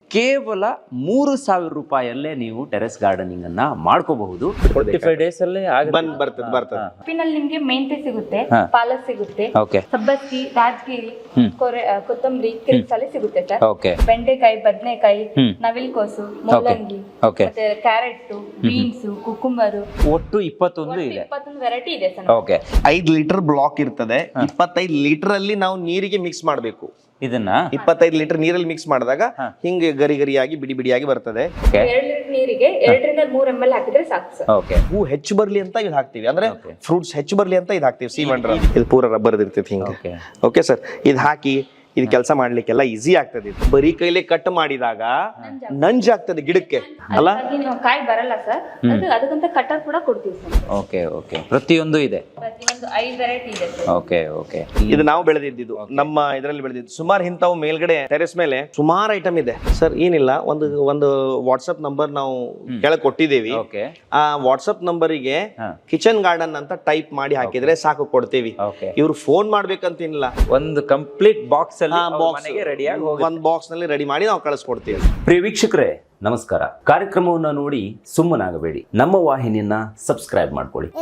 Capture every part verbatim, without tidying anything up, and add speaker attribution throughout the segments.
Speaker 1: ಕೇವಲ ಮೂರು ಸಾವಿರ ರೂಪಾಯಲ್ಲೇ ನೀವು ಟೆರೆಸ್ ಗಾರ್ಡನಿಂಗ್ ಅನ್ನ ಮಾಡ್ಕೋಬಹುದು. ಫೋರ್ಟಿ ಫೈವ್ ಡೇಸ್ ಅಲ್ಲೇ
Speaker 2: ಬಂದ್ ಬರ್ತದೆ ಬರ್ತದೆ
Speaker 3: ಸೊಪ್ಪಿನಲ್ಲಿ ನಿಮ್ಗೆ ಮೆಂತೆ ಸಿಗುತ್ತೆ, ಪಾಲಕ್ ಸಿಗುತ್ತೆ,
Speaker 1: ಓಕೆ,
Speaker 3: ಸಬ್ಬಸ್ಗಿ, ರಾಜಗಿರಿ, ಕೊತ್ತಂಬರಿ, ಕಿರಿಕ್ಸಾಲೆ ಸಿಗುತ್ತೆ ಸರ್.
Speaker 1: ಓಕೆ,
Speaker 3: ಬೆಂಡೆಕಾಯಿ, ಬದನೆಕಾಯಿ, ನವಿಲ್ಕೋಸು, ಮೂಲಂಗಿ,
Speaker 1: ಓಕೆ,
Speaker 3: ಮತ್ತೆ ಕ್ಯಾರೆಟ್, ಬೀನ್ಸ್, ಕುಕುಂಬರು,
Speaker 1: ಒಟ್ಟು ಇಪ್ಪತ್ತೊಂದು ಇದೆ.
Speaker 3: ಇಪ್ಪತ್ತೊಂದು ವೆರೈಟಿ ಇದೆ ಸರ್.
Speaker 1: ಓಕೆ,
Speaker 2: ಐದ್ ಲೀಟರ್ ಬ್ಲಾಕ್ ಇರ್ತದೆ. ಇಪ್ಪತ್ತೈದು ಲೀಟರ್ ಅಲ್ಲಿ ನಾವು ನೀರಿಗೆ ಮಿಕ್ಸ್ ಮಾಡಬೇಕು.
Speaker 1: ಇದನ್ನ
Speaker 2: ಇಪ್ಪತ್ತೈದು ಲೀಟರ್ ನೀರಲ್ಲಿ ಮಿಕ್ಸ್ ಮಾಡಿದಾಗ ಹಿಂಗೆ ಗರಿ ಗರಿಯಾಗಿ ಬಿಡಿ ಬಿಡಿಯಾಗಿ ಬರ್ತದೆ.
Speaker 3: ಎರಡು ಲೀಟರ್ ನೀರಿಗೆ ಎರಡರಿಂದ ಮೂರ್ ಎಂ ಎಲ್ ಹಾಕಿದ್ರೆ ಸಾಕು ಸರ್.
Speaker 1: ಓಕೆ,
Speaker 2: ಹೂ ಹೆಚ್ಚು ಬರ್ಲಿ ಅಂತ ಇದು ಹಾಕ್ತಿವಿ, ಅಂದ್ರೆ ಫ್ರೂಟ್ಸ್ ಹೆಚ್ಚು ಬರ್ಲಿ ಅಂತ ಇದು ಹಾಕ್ತಿವಿ. ಸೀಮಂಡ್ರ ಇದು ಪೂರ ರಬ್ಬರ್ ಇರ್ತೈತಿ ಹಿಂಗೆ. ಓಕೆ ಸರ್, ಇದು ಹಾಕಿ ಇದು ಕೆಲಸ ಮಾಡ್ಲಿಕ್ಕೆಲ್ಲ ಈಸಿ ಆಗ್ತದೆ. ಇದು ಬರೀ ಕೈಲಿ ಕಟ್ ಮಾಡಿದಾಗ ನಂಜಾಗ್ತದೆ ಗಿಡಕ್ಕೆ ಅಲ್ಲ,
Speaker 3: ಕಾಯಿ ಬರಲ್ಲ ಸರ್. ಅದಕ್ಕಂತ ಕಟ್ಟರ್ ಕೂಡ ಕೊಡ್ತೀವಿ ಸರ್.
Speaker 1: ಓಕೆ ಓಕೆ, ಪ್ರತಿಯೊಂದು ಇದೆ,
Speaker 3: ಪ್ರತಿಯೊಂದು ಐದು ವೆರೈಟಿ ಇದೆ ಸರ್.
Speaker 1: ಓಕೆ ಓಕೆ,
Speaker 2: ಇದು ನಾವು ಬೆಳೆದಿದ್ದು ನಮ್ಮ ಇದರಲ್ಲಿ ಬೆಳೆದಿದ್ದು. ಸುಮಾರು ಇಂಥವು ಮೇಲ್ಗಡೆ ಟೆರೆಸ್ ಮೇಲೆ ಸುಮಾರು ಐಟಮ್ ಇದೆ ಸರ್. ಏನಿಲ್ಲ, ಒಂದು ಒಂದು ವಾಟ್ಸ್ಆಪ್ ನಂಬರ್ ನಾವು ಕೆಳಗೆ ಕೊಟ್ಟಿದ್ದೇವೆ.
Speaker 1: ಓಕೆ,
Speaker 2: ಆ ವಾಟ್ಸ್ಆಪ್ ನಂಬರಿಗೆ ಕಿಚನ್ ಗಾರ್ಡನ್ ಅಂತ ಟೈಪ್ ಮಾಡಿ ಹಾಕಿದ್ರೆ ಸಾಕು, ಕೊಡ್ತೇವಿ. ಇವ್ರು ಫೋನ್ ಮಾಡ್ಬೇಕಂತೇನಿಲ್ಲ,
Speaker 1: ಒಂದು ಕಂಪ್ಲೀಟ್ ಬಾಕ್ಸ್ ರೆಡಿ
Speaker 2: ಒಂದ್ ಬಾಕ್ಸ್ ನಲ್ಲಿ ರೆಡಿ ಮಾಡಿ ನಾವು ಕಳಿಸ್ಕೊಡ್ತೀವಿ.
Speaker 1: ಪ್ರಿಯ ವೀಕ್ಷಕರೇ ನಮಸ್ಕಾರ. ಕಾರ್ಯಕ್ರಮವನ್ನ ನೋಡಿ ಸುಮ್ಮನಾಗಬೇಡಿ, ನಮ್ಮ ವಾಹಿನಿಯನ್ನ ಸಬ್ಸ್ಕ್ರೈಬ್ ಮಾಡ್ಕೊಳ್ಳಿ.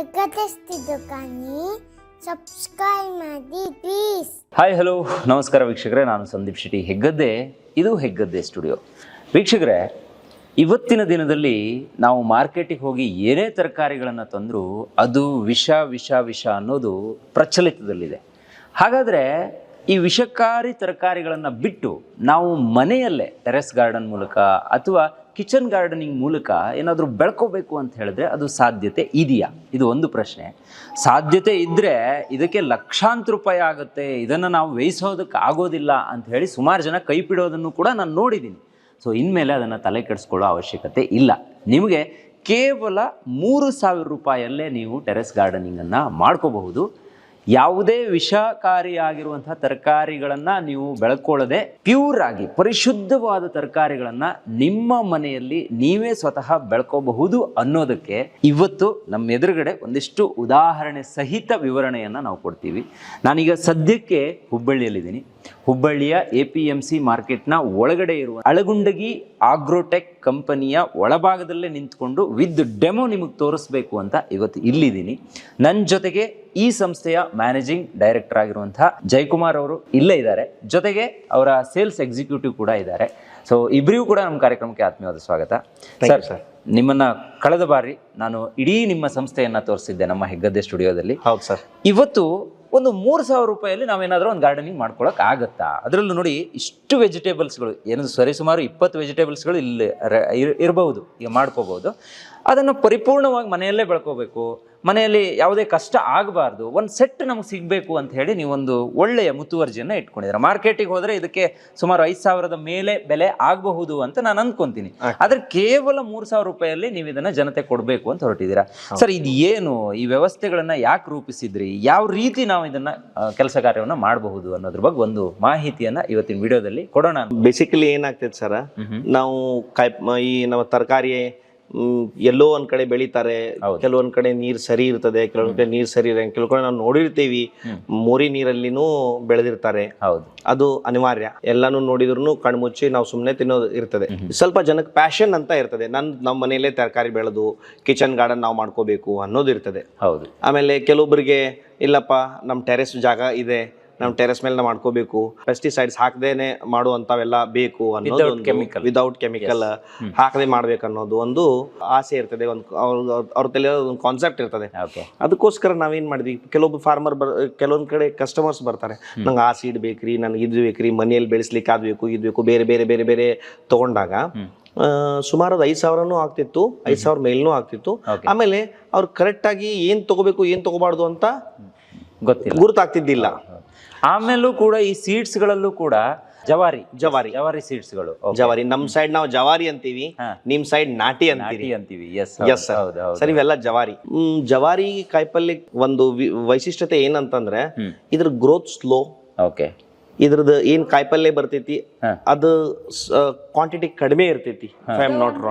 Speaker 4: ಸಬ್ಸ್ಕ್ರೈಬ್ ಮಾಡಿ ಪ್ಲೀಸ್.
Speaker 1: ಹಾಯ್ ಹಲೋ ನಮಸ್ಕಾರ ವೀಕ್ಷಕರೇ, ನಾನು ಸಂದೀಪ್ ಶೆಟ್ಟಿ ಹೆಗ್ಗದ್ದೆ. ಇದು ಹೆಗ್ಗದ್ದೆ ಸ್ಟುಡಿಯೋ. ವೀಕ್ಷಕರೇ, ಇವತ್ತಿನ ದಿನದಲ್ಲಿ ನಾವು ಮಾರ್ಕೆಟಿಗೆ ಹೋಗಿ ಏನೇ ತರಕಾರಿಗಳನ್ನು ತಂದರೂ ಅದು ವಿಷ ವಿಷ ವಿಷ ಅನ್ನೋದು ಪ್ರಚಲಿತದಲ್ಲಿದೆ. ಹಾಗಾದರೆ ಈ ವಿಷಕಾರಿ ತರಕಾರಿಗಳನ್ನು ಬಿಟ್ಟು ನಾವು ಮನೆಯಲ್ಲೇ ಟೆರೆಸ್ ಗಾರ್ಡನ್ ಮೂಲಕ ಅಥವಾ ಕಿಚನ್ ಗಾರ್ಡನಿಂಗ್ ಮೂಲಕ ಏನಾದರೂ ಬೆಳ್ಕೋಬೇಕು ಅಂತ ಹೇಳಿದ್ರೆ ಅದು ಸಾಧ್ಯತೆ ಇದೆಯಾ? ಇದು ಒಂದು ಪ್ರಶ್ನೆ. ಸಾಧ್ಯತೆ ಇದ್ದರೆ ಇದಕ್ಕೆ ಲಕ್ಷಾಂತರ ರೂಪಾಯಿ ಆಗುತ್ತೆ, ಇದನ್ನು ನಾವು ವ್ಯಯಿಸೋದಕ್ಕೆ ಆಗೋದಿಲ್ಲ ಅಂತ ಹೇಳಿ ಸುಮಾರು ಜನ ಕೈ ಬಿಡೋದನ್ನು ಕೂಡ ನಾನು ನೋಡಿದ್ದೀನಿ. ಸೊ ಇನ್ಮೇಲೆ ಅದನ್ನು ತಲೆ ಕೆಡಿಸ್ಕೊಳ್ಳೋ ಅವಶ್ಯಕತೆ ಇಲ್ಲ. ನಿಮಗೆ ಕೇವಲ ಮೂರು ಸಾವಿರ ರೂಪಾಯಲ್ಲೇ ನೀವು ಟೆರೆಸ್ ಗಾರ್ಡನಿಂಗನ್ನು ಮಾಡ್ಕೋಬಹುದು. ಯಾವುದೇ ವಿಷಕಾರಿಯಾಗಿರುವಂತಹ ತರಕಾರಿಗಳನ್ನು ನೀವು ಬೆಳ್ಕೊಳ್ಳದೆ ಪ್ಯೂರ್ ಆಗಿ ಪರಿಶುದ್ಧವಾದ ತರಕಾರಿಗಳನ್ನು ನಿಮ್ಮ ಮನೆಯಲ್ಲಿ ನೀವೇ ಸ್ವತಃ ಬೆಳ್ಕೋಬಹುದು ಅನ್ನೋದಕ್ಕೆ ಇವತ್ತು ನಮ್ಮ ಎದುರುಗಡೆ ಒಂದಿಷ್ಟು ಉದಾಹರಣೆ ಸಹಿತ ವಿವರಣೆಯನ್ನು ನಾವು ಕೊಡ್ತೀವಿ. ನಾನೀಗ ಸದ್ಯಕ್ಕೆ ಹುಬ್ಬಳ್ಳಿಯಲ್ಲಿದ್ದೀನಿ. ಹುಬ್ಬಳ್ಳಿಯ ಎ ಪಿ ಎಂ ಸಿ ಮಾರ್ಕೆಟ್ನ ಒಳಗಡೆ ಇರುವ ಅಳಗುಂಡಗಿ ಆಗ್ರೋಟೆಕ್ ಕಂಪನಿಯ ಒಳಭಾಗದಲ್ಲೇ ನಿಂತ್ಕೊಂಡು ವಿತ್ ಡೆಮೋ ನಿಮಗೆ ತೋರಿಸ್ಬೇಕು ಅಂತ ಇವತ್ತು ಇಲ್ಲಿದ್ದೀನಿ. ನನ್ನ ಜೊತೆಗೆ ಈ ಸಂಸ್ಥೆಯ ಮ್ಯಾನೇಜಿಂಗ್ ಡೈರೆಕ್ಟರ್ ಆಗಿರುವಂತಹ ಜಯಕುಮಾರ್ ಅವರು ಇಲ್ಲೇ ಇದ್ದಾರೆ, ಜೊತೆಗೆ ಅವರ ಸೇಲ್ಸ್ ಎಕ್ಸಿಕ್ಯೂಟಿವ್ ಕೂಡ ಇದ್ದಾರೆ. ಸೊ ಇಬ್ಬರಿಗೂ ಕೂಡ ನಮ್ಮ ಕಾರ್ಯಕ್ರಮಕ್ಕೆ ಆತ್ಮೀಯವಾದ ಸ್ವಾಗತ. ಸರ್ ಸರ್ ನಿಮ್ಮನ್ನ ಕಳೆದ ಬಾರಿ ನಾನು ಇಡೀ ನಿಮ್ಮ ಸಂಸ್ಥೆಯನ್ನ ತೋರಿಸಿದ್ದೆ ನಮ್ಮ ಹೆಗ್ಗದ್ದೆ ಸ್ಟುಡಿಯೋದಲ್ಲಿ. ಹೌದು ಸರ್. ಇವತ್ತು ಒಂದು ಮೂರು ಸಾವಿರ ರೂಪಾಯಲ್ಲಿ ನಾವೇನಾದರೂ ಒಂದು ಗಾರ್ಡನಿಂಗ್ ಮಾಡ್ಕೊಳಕ್ ಆಗುತ್ತಾ? ಅದರಲ್ಲೂ ನೋಡಿ ಇಷ್ಟು ವೆಜಿಟೇಬಲ್ಸ್ಗಳು, ಏನದು ಸರಿ ಸುಮಾರು ಇಪ್ಪತ್ತು ವೆಜಿಟೇಬಲ್ಸ್ಗಳು ಇಲ್ಲಿ ಇರಬಹುದು, ಈಗ ಮಾಡ್ಕೋಬಹುದು. ಅದನ್ನು ಪರಿಪೂರ್ಣವಾಗಿ ಮನೆಯಲ್ಲೇ ಬೆಳ್ಕೋಬೇಕು, ಮನೆಯಲ್ಲಿ ಯಾವುದೇ ಕಷ್ಟ ಆಗಬಾರ್ದು, ಒಂದು ಸೆಟ್ ನಮಗೆ ಸಿಗಬೇಕು ಅಂತ ಹೇಳಿ ನೀವೊಂದು ಒಳ್ಳೆಯ ಮುತುವರ್ಜಿಯನ್ನು ಇಟ್ಕೊಂಡಿದ್ದೀರಾ. ಮಾರ್ಕೆಟಿಗೆ ಹೋದರೆ ಇದಕ್ಕೆ ಸುಮಾರು ಐದು ಸಾವಿರದ ಮೇಲೆ ಬೆಲೆ ಆಗಬಹುದು ಅಂತ ನಾನು ಅಂದ್ಕೊಂತೀನಿ. ಆದರೆ ಕೇವಲ ಮೂರು ಸಾವಿರ ರೂಪಾಯಲ್ಲಿ ನೀವು ಇದನ್ನು ಜನತೆ ಕೊಡಬೇಕು ಅಂತ ಹೊರಟಿದ್ದೀರಾ. ಸರ್, ಇದು ಏನು, ಈ ವ್ಯವಸ್ಥೆಗಳನ್ನು ಯಾಕೆ ರೂಪಿಸಿದ್ರಿ, ಯಾವ ರೀತಿ ನಾವು ಇದನ್ನು ಕೆಲಸ ಕಾರ್ಯವನ್ನು ಮಾಡಬಹುದು ಅನ್ನೋದ್ರ ಬಗ್ಗೆ ಒಂದು ಮಾಹಿತಿಯನ್ನು ಇವತ್ತಿನ ವಿಡಿಯೋದಲ್ಲಿ ಕೊಡೋಣ.
Speaker 2: ಬೇಸಿಕಲಿ ಏನಾಗ್ತೈತೆ ಸರ್, ನಾವು ಕಾಯಿ ಈ ನಮ್ಮ ತರಕಾರಿ ಎಲ್ಲೋ ಒಂದ್ ಕಡೆ ಬೆಳಿತಾರೆ, ಕೆಲವೊಂದ್ ಕಡೆ ನೀರ್ ಸರಿ ಇರ್ತದೆ, ಕೆಲವೊಂದ್ ಕಡೆ ನೀರ್ ಸರಿ ಇರ, ಕೆಲವು ಕಡೆ ನಾವು ನೋಡಿರ್ತೀವಿ ಮೋರಿ ನೀರಲ್ಲಿನೂ ಬೆಳೆದಿರ್ತಾರೆ. ಹೌದು, ಅದು ಅನಿವಾರ್ಯ. ಎಲ್ಲಾನು ನೋಡಿದ್ರು ಕಣ್ಮುಚ್ಚಿ ನಾವು ಸುಮ್ನೆ ತಿನ್ನೋದು ಇರ್ತದೆ. ಸ್ವಲ್ಪ ಜನಕ್ಕೆ ಪ್ಯಾಷನ್ ಅಂತ ಇರ್ತದೆ, ನನ್ ನಮ್ಮ ಮನೆಯಲ್ಲೇ ತರಕಾರಿ ಬೆಳೆದು ಕಿಚನ್ ಗಾರ್ಡನ್ ನಾವು ಮಾಡ್ಕೋಬೇಕು ಅನ್ನೋದು ಇರ್ತದೆ. ಹೌದು. ಆಮೇಲೆ ಕೆಲವೊಬ್ಬರಿಗೆ ಇಲ್ಲಪ್ಪ ನಮ್ ಟೆರೆಸ್ ಜಾಗ ಇದೆ, ನಾವು ಟೆರೆಸ್ ಮೇಲೆ ಮಾಡ್ಕೋಬೇಕು, ಪೆಸ್ಟಿಸೈಡ್ಸ್ ಹಾಕದೇನೆ ಮಾಡುವಂತವೆಲ್ಲ ಬೇಕು ಅನ್ನೋದು, ವಿದೌಟ್ ಕೆಮಿಕಲ್ ಹಾಕದೆ ಮಾಡ್ಬೇಕು ಅನ್ನೋದು ಒಂದು ಆಸೆ ಇರ್ತದೆ, ಒಂದು ಅವ್ರ ತಲೆ ಒಂದು ಕಾನ್ಸೆಪ್ಟ್ ಇರ್ತದೆ. ಅದಕ್ಕೋಸ್ಕರ ನಾವೇನ್ ಮಾಡಿದ್ವಿ, ಕೆಲವೊಬ್ಬ ಫಾರ್ಮರ್ ಬರ್ ಕೆಲವೊಂದ್ ಕಡೆ ಕಸ್ಟಮರ್ಸ್ ಬರ್ತಾರೆ, ನಂಗೆ ಆ ಸೀಡ್ ಬೇಕ್ರಿ, ನನ್ಗೆ ಇದು ಬೇಕ್ರಿ, ಮನೆಯಲ್ಲಿ ಬೆಳೆಸ್ಲಿಕ್ಕೆ ಅದ್ ಬೇಕು ಇದು ಬೇಕು, ಬೇರೆ ಬೇರೆ ಬೇರೆ ಬೇರೆ ತಗೊಂಡಾಗ ಸುಮಾರು ಅದು ಐದ್ ಸಾವಿರನೂ ಆಗ್ತಿತ್ತು, ಐದ್ ಸಾವಿರ ಮೇಲ್ನೂ ಆಗ್ತಿತ್ತು. ಆಮೇಲೆ ಅವ್ರು ಕರೆಕ್ಟ್ ಆಗಿ ಏನ್ ತಗೋಬೇಕು ಏನ್ ತಗೋಬಾರ್ದು ಅಂತ ಗೊತ್ತಿಲ್ಲ, ಗುರುತಾಗ್ತಿದ್ದಿಲ್ಲ.
Speaker 1: ಆಮೇಲೂ ಕೂಡ ಈ ಸೀಡ್ಸ್ ಗಳಲ್ಲೂ ಕೂಡ ಜವಾರಿ
Speaker 2: ಜವಾರಿ
Speaker 1: ಜವಾರಿ ಸೀಡ್ಸ್ ಗಳು,
Speaker 2: ಜವಾರಿ ನಮ್ ಸೈಡ್ ನಾವು ಜವಾರಿ ಅಂತೀವಿ, ನಿಮ್ ಸೈಡ್ ನಾಟಿ ಅಂತೀವಿ
Speaker 1: ಅಂತೀವಿ
Speaker 2: ಎಸ್ ಸರ್, ಇವೆಲ್ಲ ಜವಾರಿ. ಹ್ಮ್ ಜವಾರಿ ಕಾಯಿಪಲ್ಯ ಒಂದು ವೈಶಿಷ್ಟ್ಯತೆ ಏನಂತಂದ್ರೆ ಇದ್ರ ಗ್ರೋತ್ ಸ್ಲೋ. ಓಕೆ. ಇದ್ರದ್ದು ಏನ್ ಕಾಯಿಪಲ್ಯ ಬರ್ತೈತಿ ಅದು ಕ್ವಾಂಟಿಟಿ ಕಡಿಮೆ ಇರ್ತೈತಿ. I am not wrong.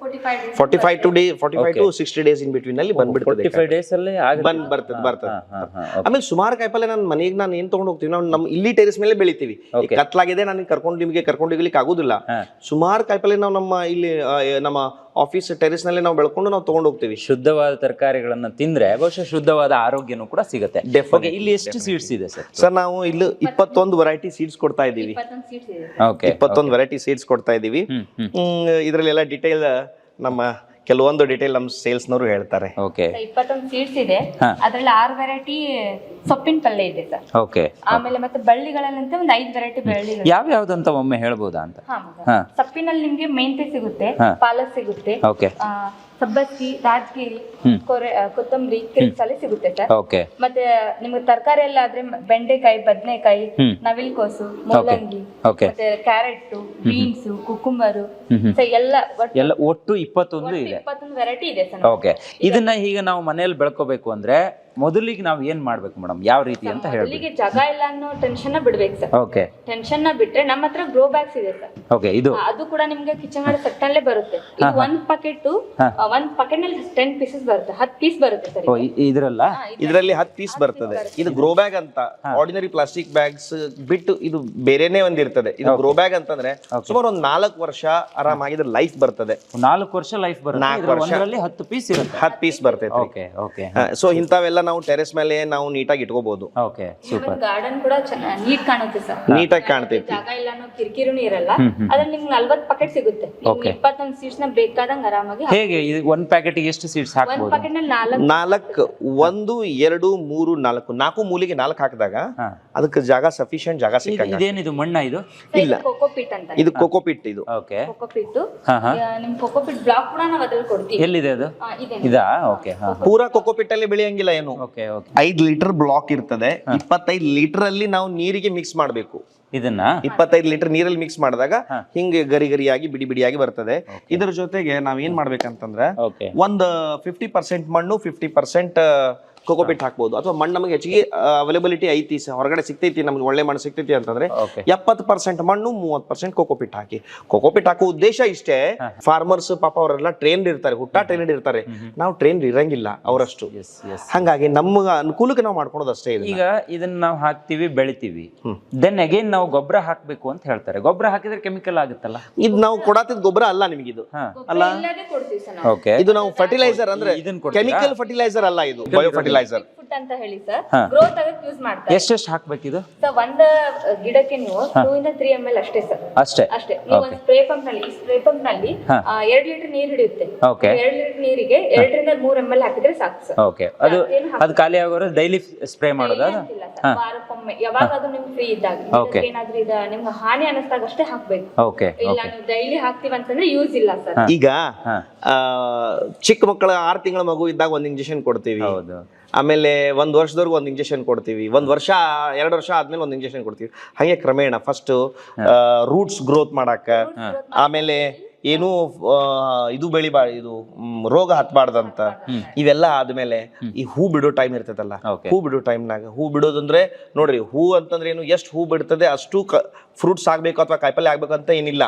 Speaker 3: Forty five days
Speaker 2: forty five to day forty five to sixty days in between ಅಲ್ಲಿ ಬಂದ್ಬಿಡ್ತದೆ
Speaker 1: ಫೋರ್ಟಿ ಫೈವ್ ಡೇಸ್ ಅಲ್ಲಿ
Speaker 2: ಬಂದ್ ಬರ್ತದೆ ಬರ್ತದೆ ಆಮೇಲೆ ಸುಮಾರು ಕಾಯಿಪಲ್ಲೆ ನಾನು ಮನೆಗೆ ನಾನು ಏನ್ ತಗೊಂಡ್ ಹೋಗ್ತೀವಿ ನಾವು ನಮ್ಮ ಇಲ್ಲಿ ಟೆರೆಸ್ ಮೇಲೆ ಬೆಳಿತೀವಿ ಈಗ ಕತ್ಲಾಗಿದೆ ನನಗೆ ಕರ್ಕೊಂಡು ನಿಮಗೆ ಕರ್ಕೊಂಡು ಹೋಗ್ಲಿಕ್ಕೆ ಆಗುದಿಲ್ಲ ಸುಮಾರು ಕಾಯಿಪಲ್ಲೆ ನಾವು ನಮ್ಮ ಇಲ್ಲಿ ಆ, ನಮ್ಮ ಆಫೀಸ್ ಟೆರೆಸ್ ನಲ್ಲಿ ನಾವು ಬೆಳ್ಕೊಂಡು ನಾವು ತಗೊಂಡ್ ಹೋಗ್ತೀವಿ.
Speaker 1: ಶುದ್ಧವಾದ ತರಕಾರಿಗಳನ್ನ ತಿಂದ್ರೆ ಬಹುಶಃ ಶುದ್ಧವಾದ ಆರೋಗ್ಯನೂ ಕೂಡ ಸಿಗುತ್ತೆ. Okay, ಇಲ್ಲಿ ಎಷ್ಟು ಸೀಡ್ಸ್ ಇದೆ ಸರ್?
Speaker 2: ಸರ್ ನಾವು ಇಲ್ಲಿ ಇಪ್ಪತ್ತೊಂದು ವೆರೈಟಿ ಸೀಡ್ಸ್ ಕೊಡ್ತಾ ಇದ್ದೀವಿ.
Speaker 3: ಇಪ್ಪತ್ತೊಂದು ಸೀಟ್ಸ್ ಇದೆ.
Speaker 1: ಓಕೆ,
Speaker 2: ಇಪ್ಪತ್ತೊಂದು ವೆರೈಟಿ ಸೀಡ್ಸ್ ಕೊಡ್ತಾ ಇದ್ದೀವಿ. ಇದರಲ್ಲೆಲ್ಲ ಡಿಟೇಲ್ ನಮ್ಮ ಕೆಲವೊಂದು ಡಿಟೇಲ್ ನಮ್ಮ ಸೇಲ್ಸ್ನವರು ಹೇಳ್ತಾರೆ.
Speaker 1: ಓಕೆ,
Speaker 3: ಇಪ್ಪತ್ತೊಂದು ಸೀಡ್ಸ್ ಇದೆ. ಅದ್ರಲ್ಲಿ ಆರು ವೆರೈಟಿ ಸೊಪ್ಪಿನ ಪಲ್ಯ ಇದೆ ಸರ್.
Speaker 1: ಓಕೆ,
Speaker 3: ಆಮೇಲೆ ಮತ್ತೆ ಬಳ್ಳಿಗಳಲ್ಲಂತ ಒಂದು ಐದು ವೆರೈಟಿ ಬಳ್ಳಿಗಳು.
Speaker 1: ಯಾವ ಯಾವ್ದಂತ ಒಮ್ಮೆ ಹೇಳ್ಬೋದಾ ಅಂತ?
Speaker 3: ಹಾ, ಸೊಪ್ಪಿನಲ್ಲಿ ನಿಮ್ಗೆ ಮೆಂತೆ ಸಿಗುತ್ತೆ, ಪಾಲಕ್ ಸಿಗುತ್ತೆ,
Speaker 1: ಓಕೆ,
Speaker 3: ಸಬ್ಬಸ್ಗಿ, ರಾಜಗಿರಿ, ಕೊರೆ ಕೊತ್ತಂಬರಿ, ಕಿರಿಕ್ಸಾಲೆ ಸಿಗುತ್ತೆ ಸರ್.
Speaker 1: ಓಕೆ,
Speaker 3: ಮತ್ತೆ ನಿಮ್ಗೆ ತರಕಾರಿ ಎಲ್ಲ ಆದ್ರೆ ಬೆಂಡೆಕಾಯಿ, ಬದನೆಕಾಯಿ, ನವಿಲ್ಕೋಸು, ಮೂಲಂಗಿ,
Speaker 1: ಓಕೆ,
Speaker 3: ಮತ್ತೆ ಕ್ಯಾರೆಟ್, ಬೀನ್ಸ್, ಕುಕುಂಬರು ಎಲ್ಲ ಒಟ್ಟು
Speaker 1: ಎಲ್ಲ ಒಟ್ಟು ಇಪ್ಪತ್ತೊಂದು ಇದೆ.
Speaker 3: ಇಪ್ಪತ್ತೊಂದು ವೆರೈಟಿ ಇದೆ ಸರ್.
Speaker 1: ಓಕೆ, ಇದನ್ನ ಈಗ ನಾವು ಮನೆಯಲ್ಲಿ ಬೆಳ್ಕೋಬೇಕು ಅಂದ್ರೆ ಮೊದಲಿಗೆ ನಾವು ಏನ್ ಮಾಡ್ಬೇಕು ಮೇಡಮ್, ಯಾವ ರೀತಿ ಅಂತ ಹೇಳ್ಬೇಕು?
Speaker 3: ಮೊದಲಿಗೆ ಜಾಗ ಇಲ್ಲ ಅನ್ನೋ ಟೆನ್ಷನ್ ಬಿಡ್ಬೇಕು ಸರ್.
Speaker 1: ಓಕೆ,
Speaker 3: ಟೆನ್ಷನ್ ನ ಬಿಟ್ರೆ ನಮ್ಮ ಹತ್ರ ಗ್ರೋ ಬ್ಯಾಗ್ಸ್ ಇದೆ ಸರ್.
Speaker 1: ಓಕೆ, ಇದು
Speaker 3: ಅದು ಕೂಡ ನಿಮ್ಗೆ ಕಿಚನ್ ಗಾರ್ಡನ್ ಸೆಟ್ ಅಲ್ಲೇ ಬರುತ್ತೆ. ಇದು ಒಂದ್ ಪಾಕೆಟ್ ಒಂದ್ ಪಾಕೆಟ್ ನಲ್ಲಿ ಟೆನ್ ಪೀಸಸ್ ಬರುತ್ತೆ, ಹತ್ತು ಪೀಸ್ ಬರುತ್ತೆ ಸರ್.
Speaker 1: ಇದ್ರಲ್ಲ
Speaker 2: ಇದರಲ್ಲಿ ಹತ್ತು ಪೀಸ್ ಬರ್ತದೆ. ಇದು ಗ್ರೋ ಬ್ಯಾಗ್ ಅಂತ ಆರ್ಡಿನರಿ ಪ್ಲಾಸ್ಟಿಕ್ ಬ್ಯಾಗ್ಸ್ ಬಿಟ್ಟು ಇದು ಬೇರೆನೆ ಒಂದಿರ್ತದೆ. ಇದು ಗ್ರೋ ಬ್ಯಾಗ್ ಅಂತಂದ್ರೆ ಸುಮಾರು ಒಂದ್ ನಾಲ್ಕು ವರ್ಷ ಆರಾಮಾಗಿ ಇದ್ರ ಲೈಫ್ ಬರ್ತದೆ.
Speaker 1: ನಾಲ್ಕು ವರ್ಷ ಲೈಫ್ ಬರುತ್ತೆ. ಒಂದರಲ್ಲಿ ಹತ್ತು ಪೀಸ್ ಇರುತ್ತೆ,
Speaker 2: ಹತ್ತು ಪೀಸ್ ಬರ್ತೈತೆ.
Speaker 1: ಓಕೆ, ಓಕೆ,
Speaker 2: ಸೊ ಇಂಥವೆಲ್ಲ ನಾವು ಟೆರೆಸ್ ಮೇಲೆ ನಾವು ನೀಟಾಗಿ ಇಟ್ಕೋಬಹುದು.
Speaker 1: Okay, super.
Speaker 3: ಗಾರ್ಡನ್ ಕೂಡ ನೀಟ್ ಕಾಣುತ್ತೆ ಸರ್.
Speaker 2: ನೀಟಾಗಿ ಕಾಣ್ತೈತಿ.
Speaker 3: ಜಾಗ ಇಲ್ಲ ಅನ್ನೋ ಕಿರಿಕಿರಿನೂ ಇರಲ್ಲ. ಅದ್ರಲ್ಲಿ ನಿಮ್ಗೆ ನಲ್ವತ್ತು ಪಾಕೆಟ್ ಸಿಗುತ್ತೆ. ನಿಮ್ಗೆ ಇಪ್ಪತ್ತೊಂದು ಸೀಟ್ಸ್ ನ ಬೇಕಾದಂಗ ಆರಾಮಾಗಿ
Speaker 1: ಹೇಗೆ ಒಂದ್ ಪ್ಯಾಕೆಟ್ ಎಷ್ಟು ಸೀಡ್ಸ್
Speaker 3: ಒಂದ್
Speaker 1: ಹಾಕ್ಬೋದು?
Speaker 3: ಪಾಕೆಟ್ ನಲ್ಲಿ ನಾಲ್ಕು
Speaker 2: ನಾಲ್ಕು, ಒಂದು ಎರಡು ಮೂರು ನಾಲ್ಕು ನಾಲ್ಕು ಮೂಲಿಗೆ ನಾಲ್ಕು ಹಾಕಿದಾಗ ಅದಕ್ಕೆ ಜಾಗ ಸಫಿಶಿಯಂಟ್ ಜಾಗ ಸಿಕ್ಕ.
Speaker 1: ಇದೇನಿದು ಮಣ್ಣ? ಇದು
Speaker 2: ಇಲ್ಲ,
Speaker 3: ಕೋಕೋಪಿಟ್ ಅಂತ.
Speaker 2: ಇದು ಕೋಕೋಪಿಟ್. ಇದು
Speaker 1: ಓಕೆ,
Speaker 3: ಕೋಕೋಪಿಟ್.
Speaker 1: ಹಾ ಹಾ
Speaker 3: ನಿಮ್ ಕೋಕೋಪಿಟ್ ಬ್ಲಾಕ್ ಕೂಡ ನಾವು ಅದ್ರಲ್ಲಿ ಕೊಡ್ತೀವಿ.
Speaker 1: ಎಲ್ಲಿದೆ ಅದು?
Speaker 3: ಆ, ಇದೆ.
Speaker 1: ಇದಾ? ಓಕೆ, ಹಾ,
Speaker 2: ಪೂರಾ ಕೋಕೋಪಿಟ್ ಅಲ್ಲಿ ಬೆಳೆಯಂಗಿಲ್ಲ ಏನು.
Speaker 1: Okay, okay.
Speaker 2: ಐದ್ ಲೀಟರ್ ಬ್ಲಾಕ್ ಇರ್ತದೆ. ಇಪ್ಪತ್ತೈದು ಲೀಟರ್ ಅಲ್ಲಿ ನಾವು ನೀರಿಗೆ ಮಿಕ್ಸ್ ಮಾಡಬೇಕು.
Speaker 1: ಇದನ್ನ
Speaker 2: ಇಪ್ಪತ್ತೈದು ಲೀಟರ್ ನೀರಲ್ಲಿ ಮಿಕ್ಸ್ ಮಾಡಿದಾಗ ಹಿಂಗೆ ಗರಿ ಗರಿಯಾಗಿ ಬಿಡಿ ಬಿಡಿಯಾಗಿ ಬರ್ತದೆ. ಇದರ ಜೊತೆಗೆ ನಾವ್ ಏನ್ ಮಾಡ್ಬೇಕಂತಂದ್ರೆ
Speaker 1: ಓಕೆ,
Speaker 2: ಒಂದ್ ಫಿಫ್ಟಿ ಪರ್ಸೆಂಟ್ ಮಣ್ಣು, ಫಿಫ್ಟಿ ಪರ್ಸೆಂಟ್ ಕೋಕೋಪಿಟ್ ಹಾಕ್ಬೋದು. ಅಥವಾ ಮಣ್ಣು ನಮಗೆ ಹೆಚ್ಚಿಗೆ ಅವೈಲಬಿಲಿಟಿ ಐತಿ, ಹೊರಗಡೆ ಸಿಗ್ತೈತಿ, ನಮ್ಗೆ ಒಳ್ಳೆ ಮಣ್ಣು ಸಿಗ್ತೈತಿ ಅಂತಂದ್ರೆ ಎಪ್ಪತ್ತು ಪರ್ಸೆಂಟ್ ಮಣ್ಣು, ಮೂವತ್ತು ಪರ್ಸೆಂಟ್ ಕೋಕೋಪಿಟ್ ಹಾಕಿ. ಕೋಕೋಪಿಟ್ ಹಾಕೋ ಉದ್ದೇಶ ಇಷ್ಟೇ. ಫಾರ್ಮರ್ಸ್ ಪಾಪ ಅವರೆಲ್ಲ ಟ್ರೈನ್ಡ್ ಇರ್ತಾರೆ, ಹುಟ್ಟಾ ಟ್ರೈನ್ಡ್ ಇರ್ತಾರೆ. ನಾವು ಟ್ರೈನ್ಡ್ ಇರಂಗಿಲ್ಲ ಅವರಷ್ಟು. ಹಂಗಾಗಿ ನಮ್ಗ ಅನುಕೂಲಕ್ಕೆ ನಾವು ಮಾಡ್ಕೊಳೋದು ಅಷ್ಟೇ.
Speaker 1: ಈಗ ಇದನ್ನ ನಾವು ಹಾಕ್ತಿವಿ, ಬೆಳಿತೀವಿ, ದೆನ್ ಅಗೇನ್ ನಾವು ಗೊಬ್ಬರ ಹಾಕ್ಬೇಕು ಅಂತ ಹೇಳ್ತಾರೆ. ಗೊಬ್ಬರ ಹಾಕಿದ್ರೆ ಕೆಮಿಕಲ್ ಆಗುತ್ತಲ್ಲ?
Speaker 2: ಇದು ನಾವು ಕೊಡಾತಿದ್ ಗೊಬ್ಬರ ಅಲ್ಲ ನಿಮಗಿದು. ಅಲ್ಲ,
Speaker 3: ಇಲ್ಲದೆ ಕೊಡ್ತೀವಿ ಸರ್ ನಾವು.
Speaker 1: ಓಕೆ,
Speaker 2: ಇದು ನಾವು ಫರ್ಟಿಲೈಸರ್ ಅಂದ್ರೆ
Speaker 1: ಇದನ್ನ ಕೊಡ್ತೀರಾ?
Speaker 2: ಕೆಮಿಕಲ್ ಫರ್ಟಿಲೈಸರ್ ಅಲ್ಲ, ಇದು ಬಯೋ ಫರ್ಟಿಲೈಸರ್
Speaker 3: ಫುಡ್ ಅಂತ ಹೇಳಿ ಸರ್. ಗ್ರೋತ್ ಆಗಕ್ಕೆ ಯೂಸ್ ಮಾಡ್ತಾರೆ.
Speaker 1: ಎಷ್ಟೆಷ್ಟು ಹಾಕ್ಬೇಕಿದು?
Speaker 3: ಸರ್ ಒಂದ್ ಗಿಡಕ್ಕೆ ನೀವು ಟೂ ಇಂದ ತ್ರೀ ಎಮ್ ಎಲ್ ಅಷ್ಟೇ ಸರ್.
Speaker 1: ಅಷ್ಟೇ
Speaker 3: ಅಷ್ಟೇ. ನೀವು ಒಂದು ಸ್ಪ್ರೇ ಪಂಪ್ ನಲ್ಲಿ ಈ ಸ್ಪ್ರೇ ಪಂಪ್ ನಲ್ಲಿ ಎರಡ್ ಲೀಟರ್ ನೀರು ಹಿಡಿಯುತ್ತೆ.
Speaker 1: ಓಕೆ,
Speaker 3: ಎರಡ್ ಲೀಟರ್ ನೀರಿಗೆ ಎರಡರಿಂದ ಮೂರ್ ಎಮ್ ಎಲ್ ಹಾಕಿದ್ರೆ ಸಾಕು ಸರ್.
Speaker 1: ಓಕೆ, ಅದು ಅದು ಖಾಲಿ ಆಗೋರು ಡೈಲಿ ಸ್ಪ್ರೇ ಮಾಡೋದಾ?
Speaker 3: ವಾರಕ್ಕೊಮ್ಮೆ ಯಾವಾಗ ಅದು ನಿಮ್ಗೆ ಫ್ರೀ ಇದ್ದಾಗ, ಏನಾದ್ರೂ ಇದ ನಿಮ್ಗೆ ಹಾನಿ ಅನಿಸ್ದಾಗ ಅಷ್ಟೇ ಹಾಕ್ಬೇಕು.
Speaker 1: ಓಕೆ,
Speaker 3: ಇಲ್ಲ ನೀವು ಡೈಲಿ ಹಾಕ್ತಿವಿ ಅಂತಂದ್ರೆ ಯೂಸ್ ಇಲ್ಲ ಸರ್.
Speaker 2: ಈಗ ಚಿಕ್ಕ ಮಕ್ಕಳ ಆರು ತಿಂಗಳ ಮಗು ಇದ್ದಾಗ ಒಂದ್ ಇಂಜೆಕ್ಷನ್ ಕೊಡ್ತೀವಿ.
Speaker 1: ಹೌದು.
Speaker 2: ಆಮೇಲೆ ಒಂದ್ ವರ್ಷದವರೆಗೂ ಒಂದ್ ಇಂಜೆಕ್ಷನ್ ಕೊಡ್ತೀವಿ. ಒಂದ್ ವರ್ಷ ಎರಡು ವರ್ಷ ಆದ್ಮೇಲೆ ಒಂದ್ ಇಂಜೆಕ್ಷನ್ ಕೊಡ್ತೀವಿ. ಹಾಗೆ ಕ್ರಮೇಣ ಫಸ್ಟ್ ರೂಟ್ಸ್ ಗ್ರೋತ್ ಮಾಡಾಕ, ಆಮೇಲೆ ಏನು ಇದು ಬೆಳಿಬಾ ಇದು ರೋಗ ಹತ್ಬಾರ್ದಂತ, ಇವೆಲ್ಲ ಆದ್ಮೇಲೆ ಈ ಹೂ ಬಿಡೋ ಟೈಮ್ ಇರ್ತದಲ್ಲ, ಹೂ ಬಿಡೋ ಟೈಮ್ನಾಗ ಹೂ ಬಿಡೋದಂದ್ರೆ ನೋಡ್ರಿ, ಹೂ ಅಂತಂದ್ರೆ ಏನು, ಎಷ್ಟು ಹೂ ಬಿಡ್ತದೆ ಅಷ್ಟು ಫ್ರೂಟ್ಸ್ ಆಗ್ಬೇಕು ಅಥವಾ ಕಾಯಿಪಲ್ಲೆ ಆಗ್ಬೇಕಂತ ಏನಿಲ್ಲ.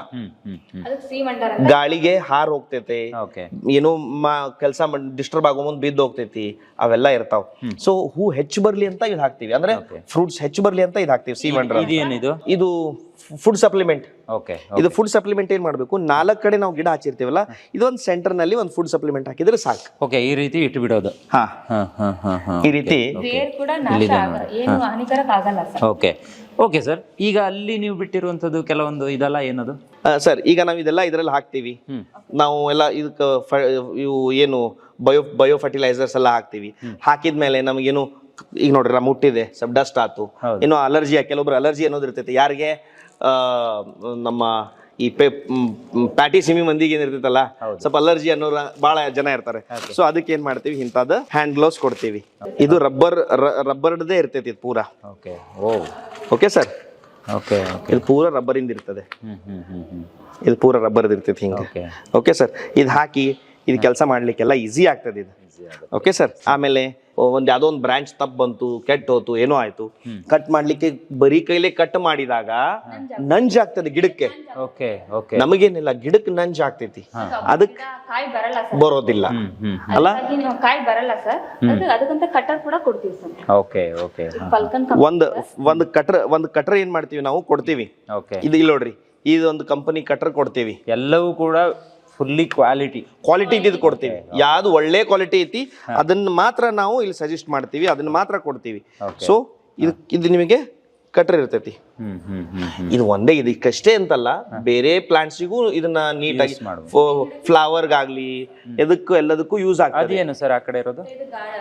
Speaker 2: ಗಾಳಿಗೆ ಹಾರ್ ಹೋಗ್ತೈತೆ, ಏನೋ ಕೆಲಸ ಡಿಸ್ಟರ್ಬ್ ಆಗೋ ಮುಂದ್ ಬಿದ್ದು ಹೋಗ್ತೈತಿ, ಅವೆಲ್ಲ ಇರ್ತಾವ. ಸೊ ಹೂ ಹೆಚ್ಚು ಬರ್ಲಿ ಅಂತ ಇದು ಹಾಕ್ತಿವಿ, ಅಂದ್ರೆ ಫ್ರೂಟ್ಸ್ ಹೆಚ್ಚು ಬರ್ಲಿ ಅಂತ ಇದು ಹಾಕ್ತಿವಿ. ಸಿ ಮಂಡ್ರ ಇದು ಫುಡ್ ಸಪ್ಲಿಮೆಂಟ್. ಇದು ಫುಡ್ ಸಪ್ಲಿಮೆಂಟ್ ಏನ್ ಮಾಡ್ಬೇಕು, ನಾಲ್ಕು ಕಡೆ ನಾವು ಗಿಡ ಹಚ್ಚಿರ್ತೀವಲ್ಲ, ಇದೊಂದು ಸೆಂಟರ್ ನಲ್ಲಿ ಒಂದು ಫುಡ್ ಸಪ್ಲಿಮೆಂಟ್ ಹಾಕಿದ್ರೆ ಸಾಕು.
Speaker 1: ಓಕೆ, ಈ ರೀತಿ ಇಟ್ಟು ಬಿಡೋದು.
Speaker 2: ಹಾ, ಈ ರೀತಿ
Speaker 3: ಬೇರ್ ಕೂಡ ನಾಶ ಆಗಲ್ಲ, ಏನು ಹಾನಿಕರ ಆಗಲ್ಲ ಸರ್.
Speaker 1: Okay, okay sir. ಈಗ ಅಲ್ಲಿ ನೀವು ಬಿಟ್ಟಿರುವಂತದ್ದು ಕೆಲವೊಂದು ಇದೆಲ್ಲ ಏನದು
Speaker 2: ಸರ್? ಈಗ ನಾವು ಇದೆಲ್ಲ ಇದರಲ್ಲಿ ಹಾಕ್ತಿವಿ. ನಾವು ಎಲ್ಲ ಇದಕ್ಕೆ ಇವು ಏನು ಬಯೋ ಬಯೋ ಫರ್ಟಿಲೈಸರ್ಸ್ ಎಲ್ಲ ಹಾಕ್ತಿವಿ. ಹಾಕಿದ್ಮೇಲೆ ನಮಗೇನು ಈಗ ನೋಡ್ರಿ ನಾ ಮುಟ್ಟಿದೆ, ಸ್ವಲ್ಪ ಡಸ್ಟ್ ಆತು, ಏನೋ ಅಲರ್ಜಿ, ಕೆಲವೊಬ್ರು ಅಲರ್ಜಿ ಅನ್ನೋದು ಇರ್ತೈತೆ. ಯಾರಿಗೆ ನಮ್ಮ ಈ ಪ್ಯಾಟಿ ಸಿಮಿ ಮಂದಿಗೆ ಏನಿರ್ತೈತಲ್ಲ, ಸ್ವಲ್ಪ ಅಲರ್ಜಿ ಅನ್ನೋರು ಬಹಳ ಜನ ಇರ್ತಾರೆ. ಸೊ ಅದಕ್ಕೆ ಏನ್ ಮಾಡ್ತೀವಿ, ಇಂಥದ್ದು ಹ್ಯಾಂಡ್ ಗ್ಲೌಸ್ ಕೊಡ್ತೀವಿ. ಇದು ರಬ್ಬರ್ ರಬ್ಬರ್ದೇ ಇರ್ತೈತಿ ಇದು ಪೂರಾ.
Speaker 1: Okay, oh
Speaker 2: okay sir.
Speaker 1: Okay,
Speaker 2: ಇದು ಪೂರಾ ರಬ್ಬರಿಂದ ಇರ್ತದೆ. ಇದು ಪೂರಾ ರಬ್ಬರ್ದು ಇರ್ತೈತಿ ಹಿಂಗೆ. Okay sir. ಇದು ಹಾಕಿ ಇದು ಕೆಲಸ ಮಾಡ್ಲಿಕ್ಕೆಲ್ಲ ಈಸಿ ಆಗ್ತದೆ ಇದು. Okay sir. ಆಮೇಲೆ ಒಂದ್ ಯಾವ್ದೋ ಒಂದು ಬ್ರಾಂಚ್ ತಪ್ಪ ಬಂತು, ಕೆಟ್ಟ ಹೋತು, ಏನೋ ಆಯ್ತು, ಕಟ್ ಮಾಡ್ಲಿಕ್ಕೆ ಬರೀ ಕೈಲೇ ಕಟ್ ಮಾಡಿದಾಗ ನಂಜಾಗ್ತದೆ ಗಿಡಕ್ಕೆ.
Speaker 1: ಓಕೆ ಓಕೆ
Speaker 2: ನಮಗೇನಿಲ್ಲ, ಗಿಡಕ್ಕೆ ನಂಜ್ ಆಗ್ತೈತಿ, ಅದಕ್ಕೆ
Speaker 3: ಕಾಯಿ ಬರಲ್ಲ ಸರ್,
Speaker 2: ಬರೋದಿಲ್ಲ ಅಲ್ಲ.
Speaker 3: ಹಾಗಾಗಿ ನೀವು ಕಾಯಿ ಬರಲ್ಲ ಸರ್, ಅದು ಅದಕ್ಕಂತ ಕಟರ್ ಕೂಡ ಕೊಡ್ತೀವಿ ಸರ್.
Speaker 1: ಓಕೆ ಓಕೆ
Speaker 3: ಫಲ್ಕನ್
Speaker 2: ಒಂದ್ ಒಂದ್ ಕಟ್ರ ಒಂದ್ ಕಟ್ರ ಏನ್ ಮಾಡ್ತೀವಿ ನಾವು ಕೊಡ್ತೀವಿ.
Speaker 1: ಓಕೆ
Speaker 2: ಇದು ಇಲ್ಲಿ ನೋಡ್ರಿ, ಇದೊಂದು ಕಂಪನಿ ಕಟ್ರ ಕೊಡ್ತೀವಿ,
Speaker 1: ಎಲ್ಲವೂ ಕೂಡ ಫುಲ್ಲಿ ಕ್ವಾಲಿಟಿ
Speaker 2: ಕ್ವಾಲಿಟಿ ಇದ್ದು ಕೊಡ್ತೀವಿ. ಯಾವ್ದು ಒಳ್ಳೆ ಕ್ವಾಲಿಟಿ ಐತಿ ಅದನ್ನ ಮಾತ್ರ ನಾವು ಇಲ್ಲಿ ಸಜೆಸ್ಟ್ ಮಾಡ್ತೀವಿ, ಅದನ್ನ ಮಾತ್ರ ಕೊಡ್ತೀವಿ. ಸೊ ಇದು ಇದು ನಿಮಗೆ ಕಟ್ರ ಇರ್ತೈತಿ.
Speaker 1: ಹ್ಮ್ ಹ್ಮ್ ಹ್ಮ್
Speaker 2: ಇದು ಒಂದೇ ಇದು ಇದಕ್ಕಷ್ಟೇ ಅಂತಲ್ಲ, ಬೇರೆ ಪ್ಲಾಂಟ್ಸಿಗೂ ಇದನ್ನ ನೀಟಾಗಿ ಫ್ಲವರ್ಗಾಗ್ಲಿ ಎದಕ್ಕೂ ಎಲ್ಲದಕ್ಕೂ ಯೂಸ್ ಆಗ್ತದೆ.
Speaker 1: ಅದೇನು ಸರ್ ಆ ಕಡೆ ಇರೋದು?